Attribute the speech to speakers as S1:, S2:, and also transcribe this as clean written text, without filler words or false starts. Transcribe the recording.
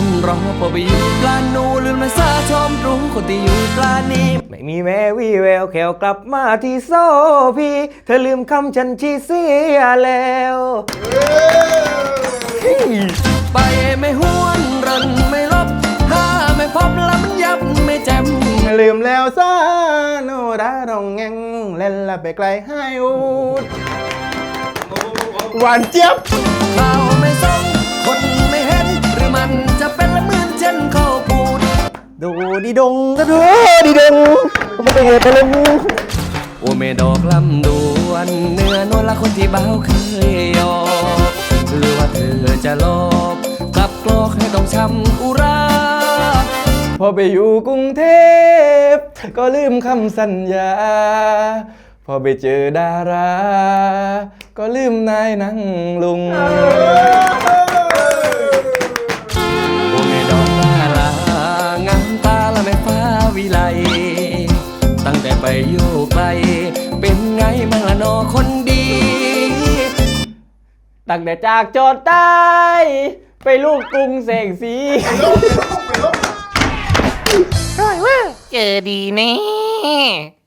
S1: นรอพอไปอยู่ปลานูลืมมาซาชมรู้คนที่อยู่ปลานี้ไม่มีแม้วี่แววแขวกลับมาที่โซพีเธอลืมคำฉันชีเสียแล้วไปไม่หวนรันไม่ลบหาไม่พบแล้วมันยับไม่แจ่ม
S2: ลืมแล้วซาโนราร้องแงงเล่นละไปไกลให้อูดหวานเจี๊ยบ
S1: เราไม่ส่งคนไม่เห็นหรือมันจะเป็นละเหมือนเช่นเขาพูด
S2: ดูดีดงก็ดูดีดงก็ไม่ได้เหตุอะไร
S1: โอเมดอกลำดวนเนื้อนวลละคนที่เบาเคยยอกหรือว่าเธอจะหลอกกลับกลอกให้ต้องช้ำอุรา
S2: พอไปอยู่กรุงเทพก็ลืมคำสัญญาพอไปเจอดาราก็ลืมนายนั่งลุง
S1: โอเมดอกลาลางามตาละไม่ฟ้าวิไลตั้งแต่ไปอยู่ไกลเป็นไงบ้างละนอคนดี
S2: ตั้งแต่จากโจทย์ใต้ไปลูกกรุงแสงสี
S3: เจอดีแน่